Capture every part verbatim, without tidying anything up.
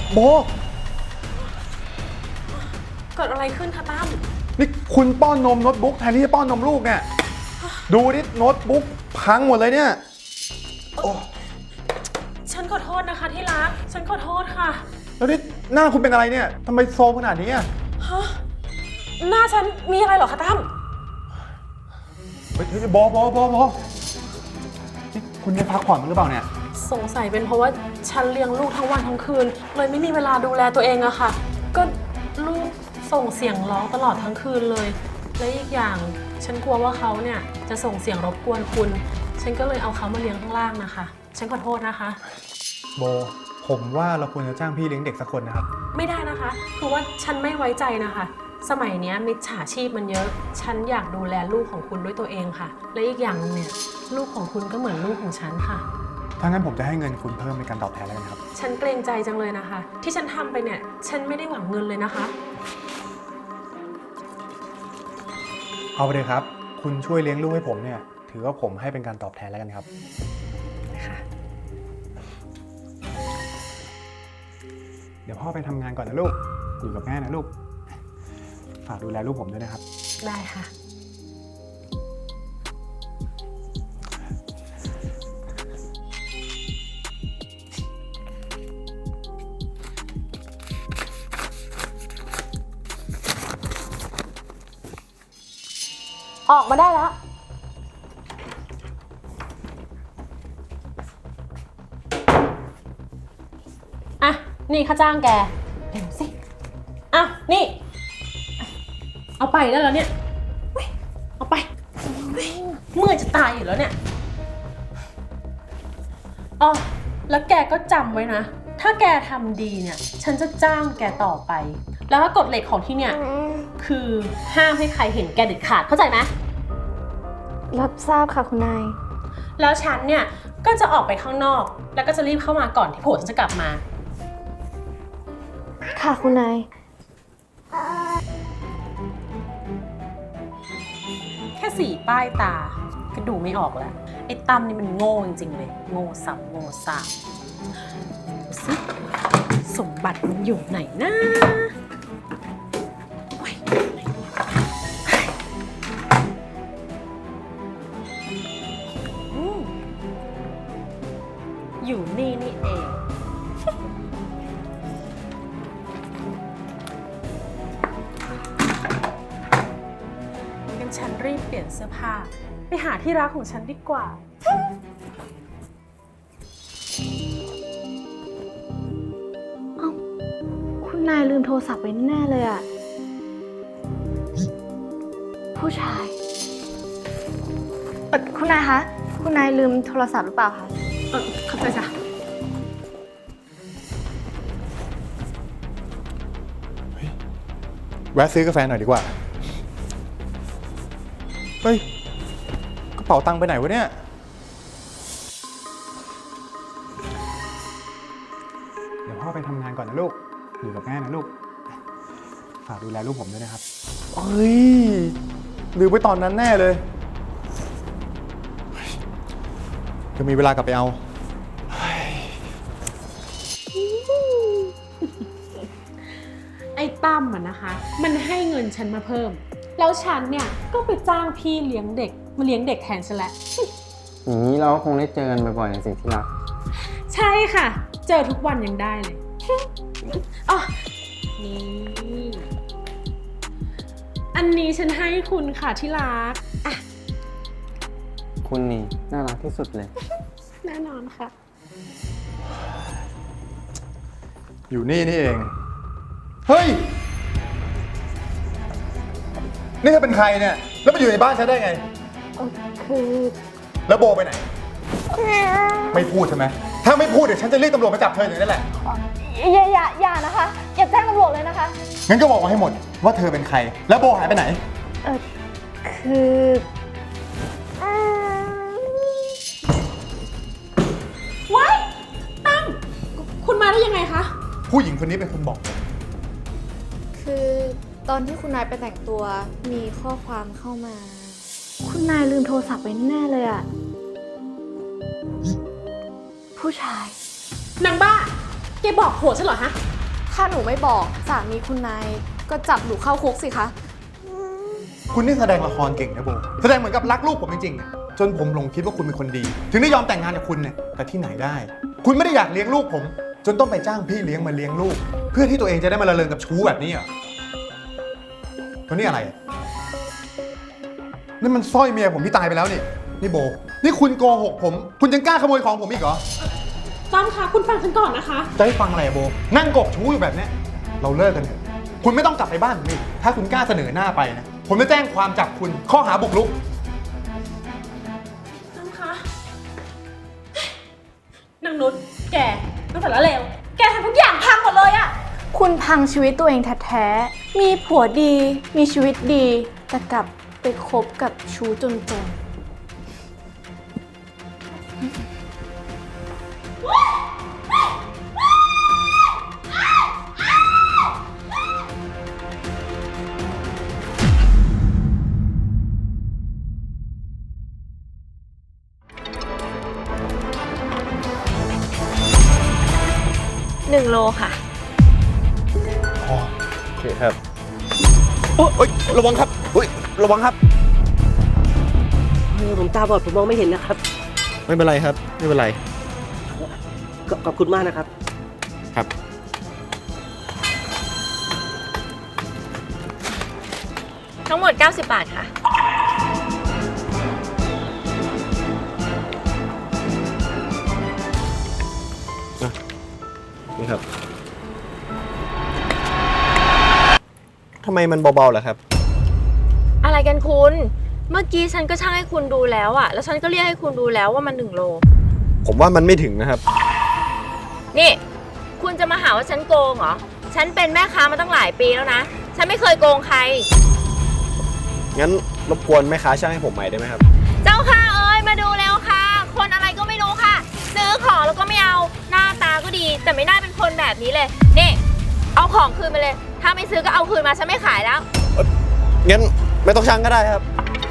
โบเกิดอะไรขึ้นคะตั้มนี่คุณป้อนนมโน้ตบุ๊กแทนที่จะป้อนนมลูกเนี่ยดูดิโน้ตบุ๊กพังหมดเลยเนี่ยโอ้ฉันขอโทษนะคะที่รักฉันขอโทษค่ะแล้วนี่หน้าคุณเป็นอะไรเนี่ยทำไมโซมขนาดนี้อ่ะฮะหน้าฉันมีอะไรเหรอคะตั้มเฮ้ยบอบอบอบอนี่คุณได้พักผ่อนมั้งหรือเปล่าเนี่ยสงสัยเป็นเพราะว่าฉันเลี้ยงลูกทั้งวันทั้งคืนเลยไม่มีเวลาดูแลตัวเองอะค่ะก็ลูกส่งเสียงร้องตลอดทั้งคืนเลยและอีกอย่างฉันกลัวว่าเขาเนี่ยจะส่งเสียงรบกวนคุณฉันก็เลยเอาเขามาเลี้ยงข้างล่างนะคะฉันขอโทษนะคะโบผมว่าเราควรจะจ้างพี่เลี้ยงเด็กสักคนนะครับไม่ได้นะคะคือว่าฉันไม่ไว้ใจนะคะสมัยนี้มิจฉาชีพมันเยอะฉันอยากดูแลลูกของคุณด้วยตัวเองค่ะและอีกอย่างนึงเนี่ยลูกของคุณก็เหมือนลูกของฉันค่ะถ้างั้นผมจะให้เงินคุณเพิ่มในการตอบแทนแล้วกันครับฉันเกรงใจจังเลยนะคะที่ฉันทำไปเนี่ยฉันไม่ได้หวังเงินเลยนะคะเอาไปเลยครับคุณช่วยเลี้ยงลูกให้ผมเนี่ยถือว่าผมให้เป็นการตอบแทนแล้วกันครับค่ะเดี๋ยวพ่อไปทำงานก่อนนะลูกอยู่กับแม่นะลูกฝากดูแลลูกผมด้วยนะครับได้ค่ะออกมาได้แล้วอ่ะนี่ค่าจ้างแกเร็วสิอ่ะนี่เอาไปได้แล้วเนี่ยเอาไปเมื่อยจะตายอยู่แล้วเนี่ยอ๋อแล้วแกก็จำไว้นะถ้าแกทำดีเนี่ยฉันจะจ้างแกต่อไปแล้วก็กฎเหล็กของที่เนี่ยคือห้ามให้ใครเห็นแกเด็ดขาดเข้าใจไหมรับทราบค่ะคุณนายแล้วฉันเนี่ยก็จะออกไปข้างนอกแล้วก็จะรีบเข้ามาก่อนที่ผัวฉันจะกลับมาค่ะคุณนายแค่สีป้ายตาก็ดูไม่ออกแล้วไอ้ตั้มนี่มันโง่จริงๆเลยโง่ซ้ำโง่ซ้ำดูสิสมบัติมันอยู่ไหนนะอยู่นี่นี่เองงั้นฉันรีบเปลี่ยนเสื้อผ้าไปหาที่รักของฉันดีกว่าเอ้าคุณนายลืมโทรศัพท์ไว้แน่เลยอะผู้ชายเอ่อคุณนายคะคุณนายลืมโทรศัพท์หรือเปล่าคะเออเข้าใจจ้ะแวะซื้อกาแฟหน่อยดีกว่าเฮ้ยกระเป๋าตังค์ไปไหนวะเนี่ยเดี๋ยวพ่อไปทำงานก่อนนะลูกอยู่กับแม่นะลูกฝากดูแลลูกผมด้วยนะครับเฮ้ยลืมไปตอนนั้นแน่เลยจะมีเวลากลับไปเอาไอ้ตั้มอะนะคะมันให้เงินฉันมาเพิ่มแล้วฉันเนี่ยก็ไปจ้างพี่เลี้ยงเด็กมาเลี้ยงเด็กแทนฉันแหละอย่างนี้เราก็คงได้เจอกันบ่อยๆสิที่รักใช่ค่ะเจอทุกวันยังได้เลยอ๋อนี่อันนี้ฉันให้คุณค่ะที่รักอ่ะคุณนี่น่ารักที่สุดเลยแน่นอนค่ะอยู่นี่นี่เองเฮ้ยนี่เธอเป็นใครเนี่ยแล้วมาอยู่ในบ้านฉันได้ไงคือแล้วโบไปไหนไม่พูดใช่ไหมถ้าไม่พูดเดี๋ยวฉันจะเรียกตำรวจมาจับเธออย่างนี้แหละอย่าอย่าอย่านะคะอย่าแจ้งตำรวจเลยนะคะงั้นก็บอกมาให้หมดว่าเธอเป็นใครแล้วโบหายไปไหนเออคือว้ายตั้มคุณมาได้ยังไงคะผู้หญิงคนนี้เป็นคนบอกคือตอนที่คุณนายไปแต่งตัวมีข้อความเข้ามาคุณนายลืมโทรศัพท์ไว้แน่เลยอะผู้ชายนางบ้าแกบอกผัวฉันเหรอฮะถ้าหนูไม่บอกสามีคุณนายก็จับหนูเข้าคุกสิคะคุณนี่แสดงละครเก่งนะโบแสดงเหมือนกับรักลูกผมจริงๆอะจนผมหลงคิดว่าคุณเป็นคนดี ถึงได้ยอมแต่งงานกับคุณเนี่ยแต่ที่ไหนได้ คุณไม่ได้อยากเลี้ยงลูกผม จนต้องไปจ้างพี่เลี้ยงมาเลี้ยงลูก เพื่อที่ตัวเองจะได้มาละเลงกับชู้แบบนี้เหรอแล้วนี่อะไรอะนี่มันสร้อยเมียผมที่ตายไปแล้วนี่นี่โบนี่คุณโกหกผม คุณยังกล้าขโมยของผมอีกเหรอจ้ำคะคุณฟังฉันก่อนนะคะจะให้ฟังอะไรอะโบนั่งกกชู้อยู่แบบเนี้ยเราเลิกกันเถอะคุณไม่ต้องกลับไปบ้านผมอีกถ้าคุณกล้าเสนอหน้าไปนะผมจะแจ้งความจับคุณข้อหาบุกรุกจ้ำคะนางนุชแกตั้งแต่ละเลวแกทำทุกอย่างพังหมดเลยอะคุณพังชีวิตตัวเองแท้ๆ มีผัวดี มีชีวิตดี แต่กลับไปคบกับชู้จนๆหนึ่งโลค่ะโอเคครับโอ้ยระวังครับโอ้ยระวังครับเออผมตาบอดผมมองไม่เห็นนะครับไม่เป็นไรครับ ไม่เป็นไรขขอบคุณมากนะครับครับทั้งหมด เก้าสิบบาทค่ะนี่ครับทำไมมันเบาๆล่ะครับอะไรกันคุณ เมื่อกี้ฉันก็ช่างให้คุณดูแล้วอะแล้วฉันก็เรียกให้คุณดูแล้วว่ามันหนึ่งโลผมว่ามันไม่ถึงนะครับนี่ คุณจะมาหาว่าฉันโกงเหรอ ฉันเป็นแม่ค้ามาตั้งหลายปีแล้วนะ ฉันไม่เคยโกงใครงั้นรบกวนแม่ค้าช่างให้ผมใหม่ได้ไหมครับเจ้าค่ะเอ้ยมาดูแล้วค่ะ คนอะไรก็ไม่รู้ค่ะ ซื้อของแล้วก็ไม่เอา หน้าตาก็ดี แต่ไม่น่าเป็นคนแบบนี้เลย นี่ เอาของคืนมาเลย ถ้าไม่ซื้อก็เอาคืนมาฉันไม่ขายแล้วงั้นไม่ต้องช่างก็ได้ครับ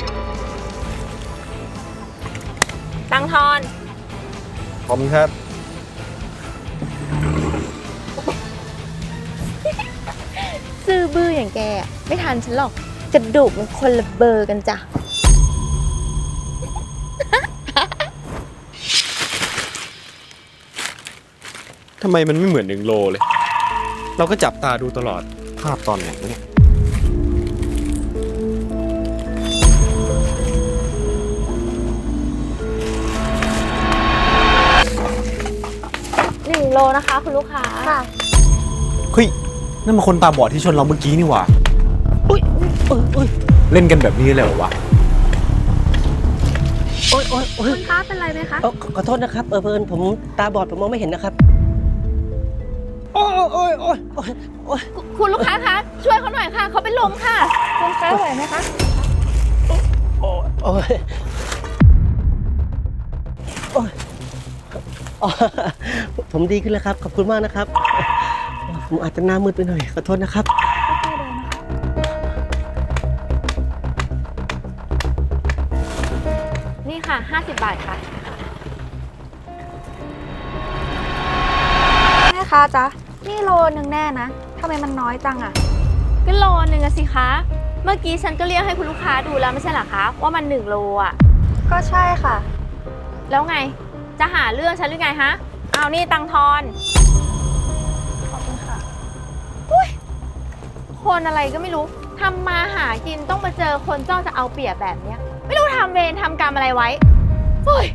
ตังทอนขอบคุณครับซื้อบื้ออย่างแกอะไม่ทันฉันหรอก กระดูกมันคนละเบอร์กันจ้ะทำไมมันไม่เหมือนหนึ่งโลเลย เราก็จับตาดูตลอด ภาพตอนไหนวะเนี่ยหนึ่งโลนะคะคุณลูกค้าค่ะเฮ้ย นั่นมันคนตาบอดที่ชนเราเมื่อกี้นี่หว่าอุ้ยอุ้ยอุ้ยเล่นกันแบบนี้เลยเหรอวะโอ้ยโอ้ยโอ้ยคุณคะเป็นไรไหมคะเออขอขอโทษนะครับ เออเพิ่นผมตาบอดผมมองไม่เห็นนะครับ โอ้ยโอ้ยโอ้ยโอ้ยโอ้ยคุณลูกค้าคะ ช่วยเขาหน่อยค่ะ เขาเป็นลมค่ะคุณคะไหวไหมคะโอ้ยโอ้ยโอ้ยอ๋อผมดีขึ้นแล้วครับ ขอบคุณมากนะครับ ผมอาจจะหน้ามืดไปหน่อย ขอโทษนะครับนี่ค่ะ ห้าสิบบาทค่ะแม่คะจ๊ะ นี่โลนึงแน่นะทำไมมันน้อยจังอะก็โลนึงอะสิคะ เมื่อกี้ฉันก็เรียกให้คุณลูกค้าดูแล้วไม่ใช่เหรอคะ ว่ามันหนึ่งโลอะก็ใช่ค่ะแล้วไง จะหาเรื่องฉันหรือไงฮะ เอานี่ตังทอนขอบคุณค่ะคนอะไรก็ไม่รู้ ทำมาหากินต้องมาเจอคนจ้องจะเอาเปรียบแบบเนี้ย ไม่รู้ทำเวรทำกรรมอะไรไว้เฮ้ย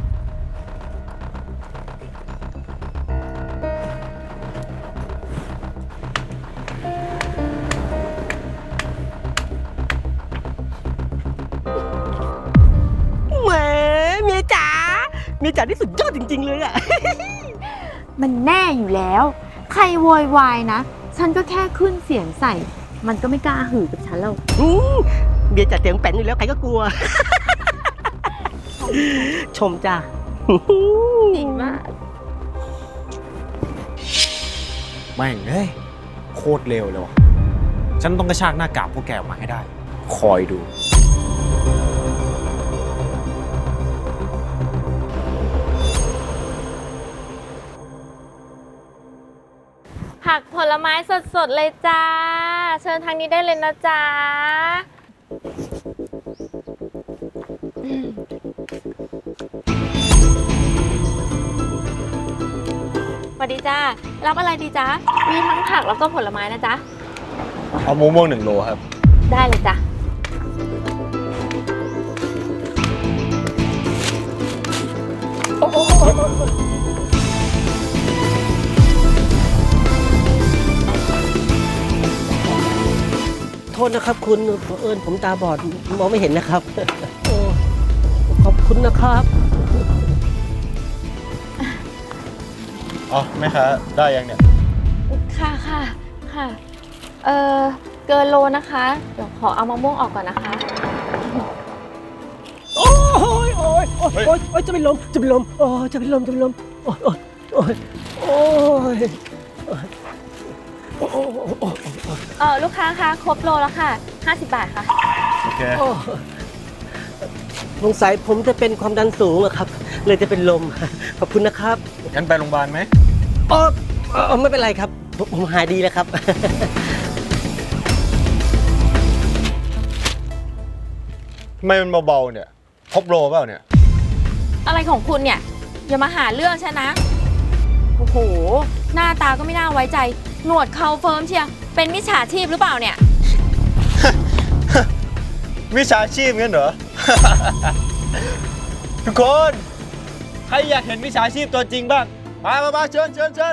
แหมเมียจ๋าเมียจ๋าที่สุดยอดจริง ๆ เลยอะมันแน่อยู่แล้ว ใครโวยวายนะ ฉันก็แค่ขึ้นเสียงใส่ มันก็ไม่กล้าหือกับฉันแล้วอืมเมียจ๋าเสียงแป้นอยู่แล้วใครก็กลัว ชมจ้าจริงมากแม่งเอ้ย โคตรเร็วเลยว่ะ ฉันต้องกระชากหน้ากากพวกแกออกมาให้ได้ คอยดูผักผลไม้สดๆเลยจ้า เชิญทางนี้ได้เลยนะจ๊ะอืมสวัสดีจ้า รับอะไรดีจ๊ะ มีทั้งผักแล้วก็ผลไม้นะจ๊ะเอามะม่วงหนึ่งโลครับได้เลยจ้ะโทษนะครับคุณเผอิญผมตาบอดมองไม่เห็นนะครับ โอ้ขอบคุณนะครับอ๋อแม่ค้าได้ยังเนี่ยค่ะค่ะค่ะ เออเกินโลนะคะ เดี๋ยวขอเอามะม่วงออกก่อนนะคะโอ้ยโอ้ยโอ้ยโอ้ยโอ้ยจะเป็นลมจะเป็นลมโอ้ยจะเป็นลมจะเป็นลมโอ้ยโอ้ยโอ้ยโอ้ยโอ้ยโอ้ยโอ้ยเออลูกค้าคะครบโลแล้วค่ะ ห้าสิบบาทค่ะโอเคโอ้ยสงสัยผมจะเป็นความดันสูงอะครับ เลยจะเป็นลม ขอบคุณนะครับงั้นไปโรงพยาบาลไหมอ๋ออ๋อไม่เป็นไรครับ ผมผมหายดีแล้วครับทำไมมันเบาๆเนี่ยครบโลเปล่าเนี่ยอะไรของคุณเนี่ย อย่ามาหาเรื่องฉันนะ โอ้โห หน้าตาก็ไม่น่าไว้ใจ หนวดเขาเฟิร์มเชียร์เป็นมิจฉาชีพหรือเปล่าเนี่ยมิจฉาชีพงั้นเหรอ ทุกคน ใครอยากเห็นมิจฉาชีพตัวจริงบ้าง มามามาเชิญเชิญเชิญ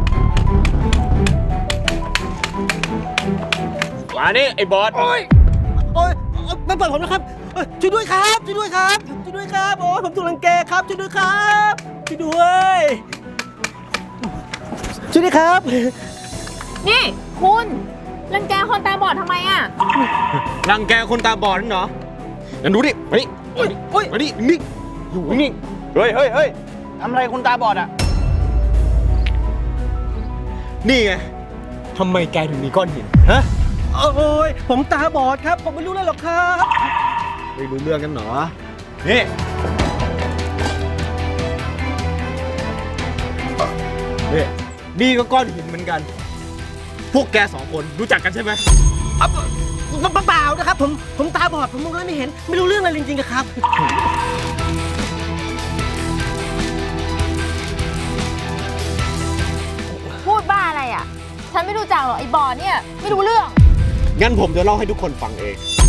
มานี่ไอ้บอสโอ้ยโอ้ยไม่เปิดผมนะครับเอ้ยช่วยด้วยครับ ช่วยด้วยครับ ช่วยด้วยครับ โอ้ยผมถูกรังแกครับ ช่วยด้วยครับ ช่วยด้วย ช่วยด้วยครับนี่คุณรังแกคนตาบอดทำไมอ่ะรังแกคนตาบอดนั่นเหรองั้นดูดิมานี่โอ้ยโอ้ยมานี่นิ่งอยู่นิ่งเฮ้ยเฮ้ยเฮ้ยทำอะไรคนตาบอดอ่ะ นี่ไงทำไมแกถึงมีก้อนหิน ฮะโอ้ยผมตาบอดครับ ผมไม่รู้เลยหรอกครับไม่รู้เรื่องกันเหรอ นี่ นี่ นี่ก็ก้อนหินเหมือนกัน พวกแกสองคนรู้จักกันใช่ไหมเปล่าๆนะครับ ผมผมตาบอด ผมมองอะไรไม่เห็น ไม่รู้เรื่องอะไรจริงๆอะครับพูดบ้าอะไรอ่ะ ฉันไม่รู้จักหรอกไอ้บอดเนี่ย ไม่รู้เรื่องงั้นผมจะเล่าให้ทุกคนฟังเอง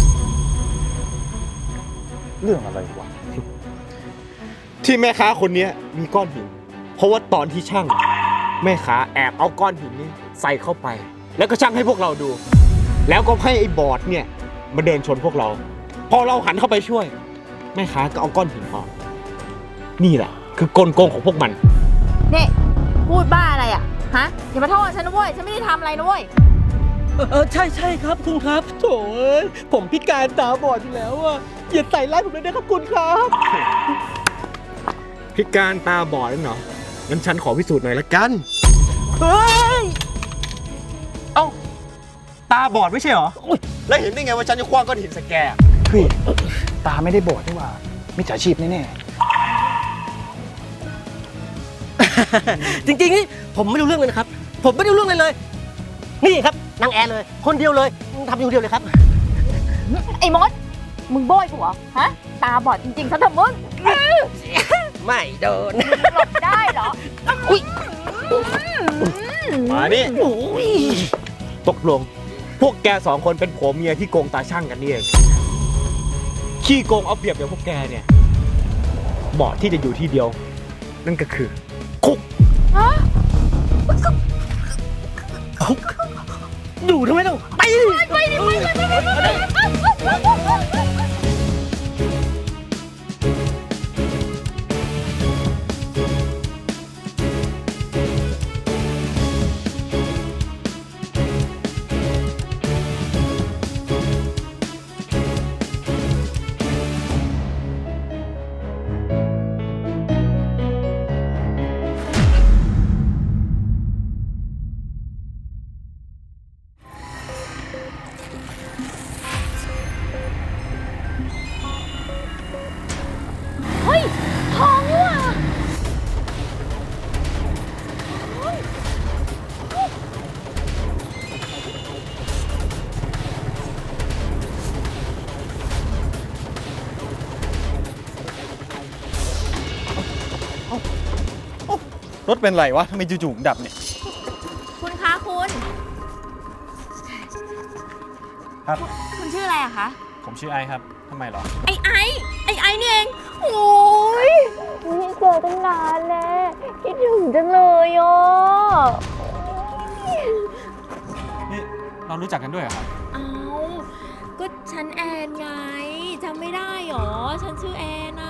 เรื่องอะไรวะ ที่แม่ค้าคนนี้มีก้อนหิน เพราะว่าตอนที่ช่าง แม่ค้าแอบเอาก้อนหินนี้ใส่เข้าไป แล้วก็ช่างให้พวกเราดู แล้วก็ให้ไอ้บอดเนี่ยมาเดินชนพวกเรา พอเราหันเข้าไปช่วย แม่ค้าก็เอาก้อนหินออกนี่แหละ คือกลโกงของพวกมันนี่ พูดบ้าอะไรอ่ะ ฮะ อย่ามาโทษฉันนะเว้ย ฉันไม่ได้ทำอะไรนะเว้ยเออเออใช่ใช่ครับคุณครับโถ่เอ้ยผมพิการตาบอดอยู่แล้วอะอย่าใส่ร้ายผมเลยนะครับคุณครับพิการตาบอดนั่นเหรอ งั้นฉันขอพิสูจน์หน่อยละกันเฮ้ยเอ้า ตาบอดไม่ใช่เหรอ แล้วเห็นได้ไงว่าฉันจะคว้างก้อนหินใส่แกพี่ตาไม่ได้บอดนี่หว่ามิจฉาชีพแน่จริงๆนี่ผมไม่รู้เรื่องเลยนะครับ ผมไม่ได้รู้เรื่องเลยเลย นี่ครับนางแอร์เลย คนเดียวเลยทำอยู่คนเดียวเลยครับไอ้มด มึงโบยกูเหรอ ฮะ ตาบอดจริงๆซะเถอะมึงไม่โดนหลบได้เหรออุ้ยมานี่โอ้ยตกลง พวกแกสองคนเป็นผัวเมียที่โกงตาช่างกันนี่เอง ขี้โกงเอาเปรียบอย่างพวกแกเนี่ยเหมาะที่จะอยู่ที่เดียว นั่นก็คือ คุกอยู่ทำไมเราไปดิไปดิไปไปไปไปไปรถเป็นไรวะทำไมจู่ๆดับเนี่ยคุณคะคุณครับคุณชื่ออะไรอะคะผมชื่อไอครับทำไมหรอไอไอไอไอนี่เอง โอ้ยไม่เจอตั้งนานแล้วคิดถึงจังเลยอ่ะนี่เรารู้จักกันด้วยเหรอครับเอาก็ฉันแอนไงจำไม่ได้หรอ ฉันชื่อแอนนะ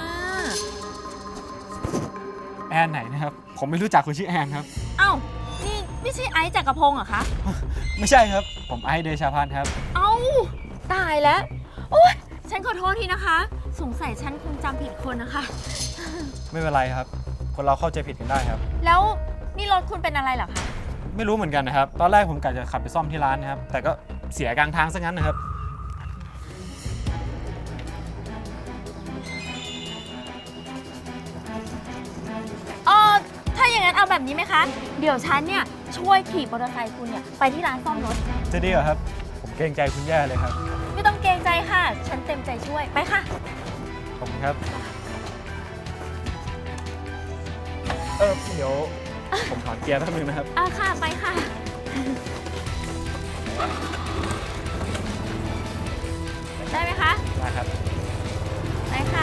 แอนไหนนะครับ ผมไม่รู้จักคนชื่อแอนครับเอ้า นี่ไม่ใช่ไอซ์จักรพงศ์เหรอคะไม่ใช่ครับ ผมไอซ์เดชาพันธ์ครับเอ้า ตายแล้ว โอ๊ย ฉันขอโทษทีนะคะ สงสัยฉันคงจำผิดคนนะคะไม่เป็นไรครับ คนเราเข้าใจผิดกันได้ครับแล้วนี่รถคุณเป็นอะไรเหรอคะไม่รู้เหมือนกันนะครับ ตอนแรกผมกะจะขับไปซ่อมที่ร้านนะครับ แต่ก็เสียกลางทางซะงั้นนะครับเออถ้าอย่างนั้นเอาแบบนี้ไหมคะ เดี๋ยวฉันเนี่ยช่วยขี่มอเตอร์ไซค์คุณเนี่ยไปที่ร้านซ่อมรถจะดีเหรอครับ ผมเกรงใจคุณแย่เลยครับไม่ต้องเกรงใจค่ะ ฉันเต็มใจช่วย ไปค่ะขอบคุณครับ เออเดี๋ยวผมถอนเกียร์แป๊บนึงนะครับเอาค่ะ ไปค่ะ ได้ไหมคะได้ครับไปค่ะ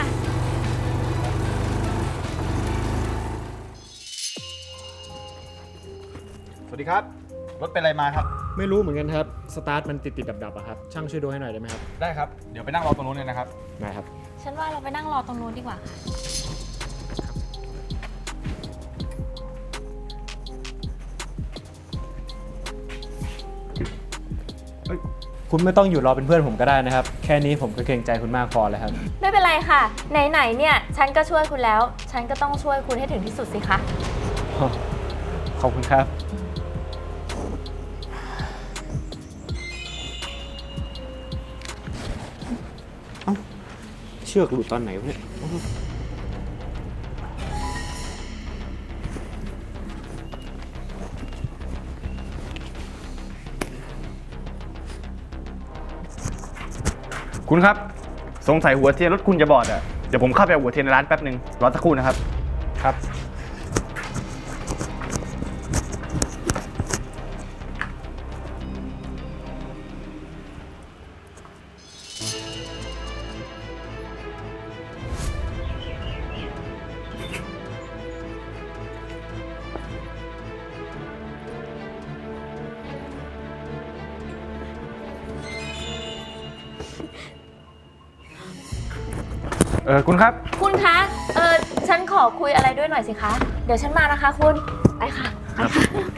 สวัสดีครับ รถเป็นอะไรมาครับไม่รู้เหมือนกันครับ สตาร์ทมันติดติดดับดับๆอะครับ ช่างช่วยดูให้หน่อยได้ไหมครับได้ครับ เดี๋ยวไปนั่งรอตรงนู้นเลยนะครับได้ครับฉันว่าเราไปนั่งรอตรงนู้นดีกว่าค่ะคุณไม่ต้องอยู่รอเป็นเพื่อนผมก็ได้นะครับ แค่นี้ผมก็เกรงใจคุณมากพอแล้วครับไม่เป็นไรค่ะ ไหนๆเนี่ย ฉันก็ช่วยคุณแล้ว ฉันก็ต้องช่วยคุณให้ถึงที่สุดสิคะขอบคุณครับ เอ้า เชือกหลุดตอนไหนวะเนี่ยคุณครับ สงสัยหัวเทียนรถคุณจะบอดอ่ะ เดี๋ยวผมเข้าไปเอาหัวเทียนในร้านแป๊บนึง รอสักครู่นะครับครับเออคุณครับคุณคะ เออฉันขอคุยอะไรด้วยหน่อยสิคะ เดี๋ยวฉันมานะคะคุณ ไปค่ะ ไปค่ะ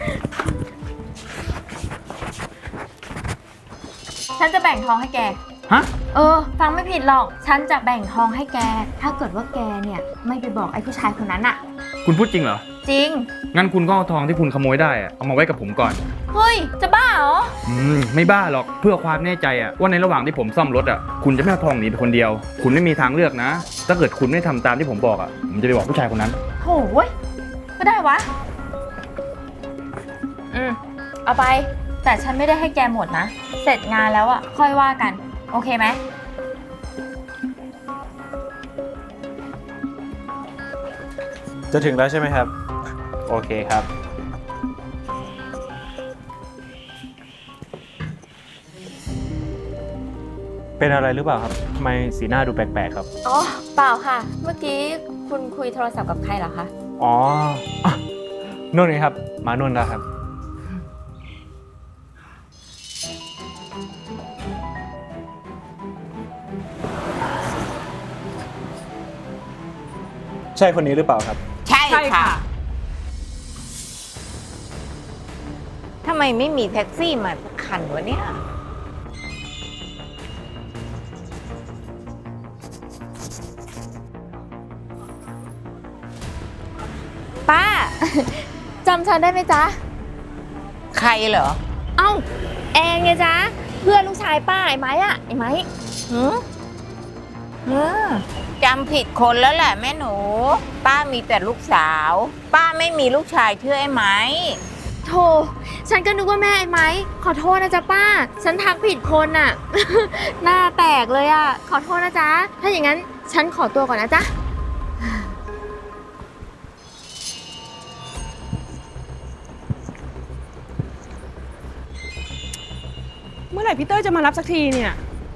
ฉันจะแบ่งทองให้แกฮะเออ ฟังไม่ผิดหรอก ฉันจะแบ่งทองให้แก ถ้าเกิดว่าแกเนี่ยไม่ไปบอกไอ้ผู้ชายคนนั้นอะคุณพูดจริงเหรอจริงงั้นคุณก็เอาทองที่คุณขโมยได้อะเอามาไว้กับผมก่อนเฮ้ย จะบ้าเหรออืม ไม่บ้าหรอก เพื่อความแน่ใจอะว่าในระหว่างที่ผมซ่อมรถอะคุณจะไม่เอาทองหนีไปคนเดียว คุณไม่มีทางเลือกนะ ถ้าเกิดคุณไม่ทำตามที่ผมบอกอะผมจะไปบอกผู้ชายคนนั้นโหยก็ได้วะ อืม เอาไป แต่ฉันไม่ได้ให้แกหมดนะ เสร็จงานแล้วอะค่อยว่ากัน โอเคไหมจะถึงแล้วใช่ไหมครับ โอเคครับ เป็นอะไรหรือเปล่าครับทำไมสีหน้าดูแปลกๆครับอ๋อ เปล่าค่ะ เมื่อกี้คุณคุยโทรศัพท์กับใครเหรอคะอ๋ออ่ะนุ่นไงครับ มานุ่นแล้วครับ ใช่คนนี้หรือเปล่าครับใช่ค่ะ ทำไมไม่มีแท็กซี่มาสักคันวะเนี่ยป้า จำฉันได้ไหมจ๊ะใครเหรอเอ้า แองไงจ๊ะ เพื่อนลูกชายป้าไอ้ไม้อะไอ้ไม้หืมเออจำผิดคนแล้วแหละแม่หนู ป้ามีแต่ลูกสาว ป้าไม่มีลูกชายชื่อไอ้ไหมโธ่ฉันก็นึกว่าแม่ไอ้ไม้ ขอโทษนะจ๊ะป้า ฉันทักผิดคนอะ หน้าแตกเลยอะขอโทษนะจ๊ะ ถ้าอย่างนั้นฉันขอตัวก่อนนะจ๊ะมื่อไหร่พี่เต้ยจะมารับสักทีเนี่ย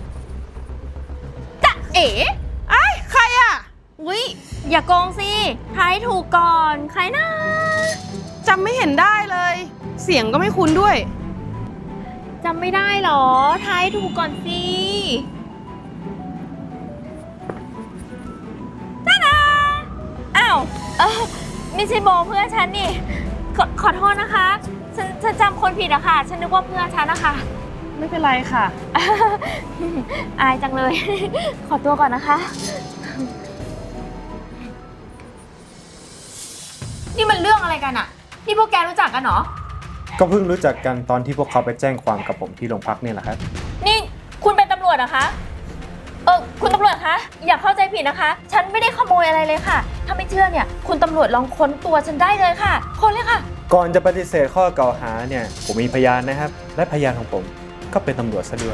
จะเอ๋ไอ้ยใครอะอุ๊ยอย่าโกงสิทายถูกก่อน ใครนะจำไม่เห็นได้เลย เสียงก็ไม่คุ้นด้วยจำไม่ได้เหรอทายถูกก่อนสิจ้าดาอ้าวเออไม่ใช่โบเพื่อนฉันนี่ขอขอโทษนะคะ ฉันฉันจำคนผิดอะค่ะ ฉันนึกว่าเพื่อนฉันนะคะไม่เป็นไรค่ะอายจังเลย ขอตัวก่อนนะคะ นี่มันเรื่องอะไรกันอะนี่พวกแกรู้จักกันเหรอก็เพิ่งรู้จักกันตอนที่พวกเขาไปแจ้งความกับผมที่โรงพักเนี่ยแหละครับนี่คุณเป็นตำรวจเหรอคะ เออคุณตำรวจคะ อย่าเข้าใจผิดนะคะ ฉันไม่ได้ขโมยอะไรเลยค่ะ ถ้าไม่เชื่อเนี่ย คุณตำรวจลองค้นตัวฉันได้เลยค่ะ ค้นเลยค่ะก่อนจะปฏิเสธข้อกล่าวหาเนี่ยผมมีพยานนะครับ และพยานของผมก็เป็นตำรวจซะด้วย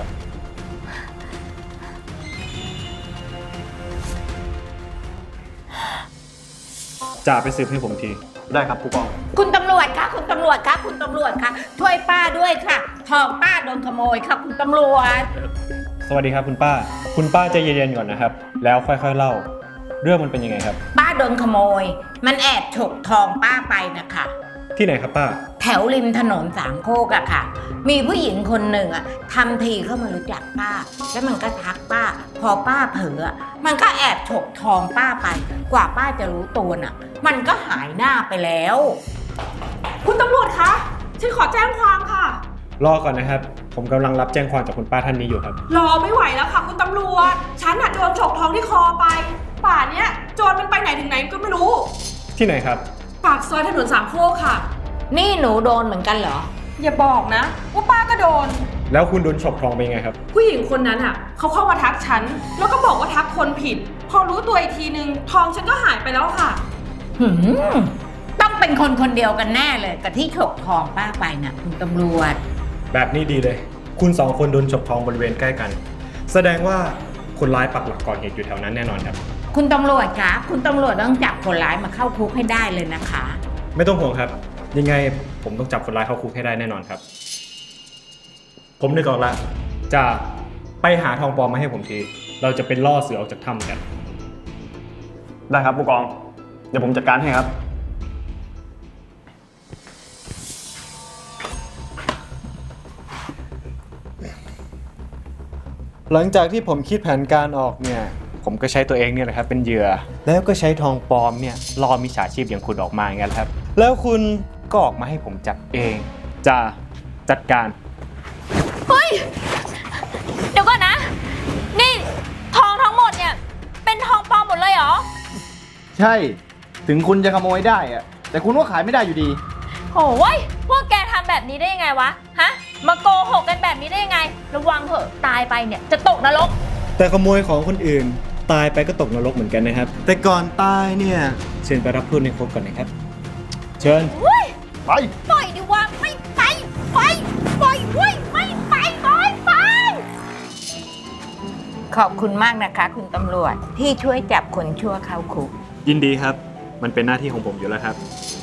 จ่าไปสืบให้ผมทีได้ครับผู้กองคุณตำรวจคะคุณตำรวจคะคุณตำรวจคะช่วยป้าด้วยค่ะทองป้าโดนขโมยค่ะคุณตำรวจสวัสดีครับคุณป้า คุณป้าใจเย็นๆก่อนนะครับ แล้วค่อยๆเล่า เรื่องมันเป็นยังไงครับป้าโดนขโมย มันแอบฉกทองป้าไปนะคะที่ไหนครับป้าแถวริมถนนสามโคกอะค่ะ มีผู้หญิงคนหนึ่งอะทำทีเข้ามารู้จักป้า แล้วมันก็ทักป้า พอป้าเผลออะมันก็แอบฉกทองป้าไป กว่าป้าจะรู้ตัวน่ะ มันก็หายหน้าไปแล้วคุณตำรวจคะ ฉันขอแจ้งความค่ะรอก่อนนะครับ ผมกำลังรับแจ้งความจากคุณป้าท่านนี้อยู่ครับรอไม่ไหวแล้วค่ะคุณตำรวจ ฉันอะโดนฉกทองที่คอไป ป่านเนี้ยโจรมันไปไหนถึงไหนก็ไม่รู้ที่ไหนครับปากซอยถนนสามโคกค่ะนี่หนูโดนเหมือนกันเหรออย่าบอกนะว่าป้าก็โดนแล้วคุณโดนฉกทองไปยังไงครับผู้หญิงคนนั้นอ่ะเขาเข้ามาทักฉัน แล้วก็บอกว่าทักคนผิด พอรู้ตัวอีกทีนึง ทองฉันก็หายไปแล้วค่ะหืมต้องเป็นคนคนเดียวกันแน่เลยกับที่ฉกทองป้าไปน่ะ คุณตำรวจแบบนี้ดีเลย คุณสองคนโดนฉกทองบริเวณใกล้กัน แสดงว่าคนร้ายปักหลักก่อเหตุอยู่แถวนั้นแน่นอนครับคุณตำรวจคะคุณตำรวจต้องจับคนร้ายมาเข้าคุกให้ได้เลยนะคะไม่ต้องห่วงครับ ยังไงผมต้องจับคนร้ายเข้าคุกให้ได้แน่นอนครับ ผมนึกออกละจะไปหาทองปลอมมาให้ผมที เราจะเป็นล่อเสือออกจากถ้ำกันได้ครับผู้กอง เดี๋ยวผมจัดการให้ครับหลังจากที่ผมคิดแผนการออกเนี่ย ผมก็ใช้ตัวเองเนี่ยแหละครับเป็นเหยื่อ แล้วก็ใช้ทองปลอมเนี่ยล่อมิจฉาชีพอย่างคุณออกมาอย่างนั้นครับ แล้วคุณก็ออกมาให้ผมจับเอง จะจัดการเฮ้ย เดี๋ยวก่อนนะ นี่ทองทั้งหมดเนี่ย เป็นทองปลอมหมดเลยเหรอใช่ ถึงคุณจะขโมยได้อะแต่คุณก็ขายไม่ได้อยู่ดีโอ้ยพวกแกทำแบบนี้ได้ยังไงวะ ฮะ มาโกหกกันแบบนี้ได้ยังไง ระวังเถอะตายไปเนี่ยจะตกนรกแต่ขโมยของคนอื่นตายไปก็ตกนรกเหมือนกันนะครับ แต่ก่อนตายเนี่ยเชิญไปรับโทษในคุกก่อนนะครับ เชิญไปปล่อยดิว่าไม่ไป ไป ปล่อยเว้ยไม่ไปปล่อยไปขอบคุณมากนะคะ คุณตำรวจที่ช่วยจับคนชั่วเข้าคุกยินดีครับ มันเป็นหน้าที่ของผมอยู่แล้วครับ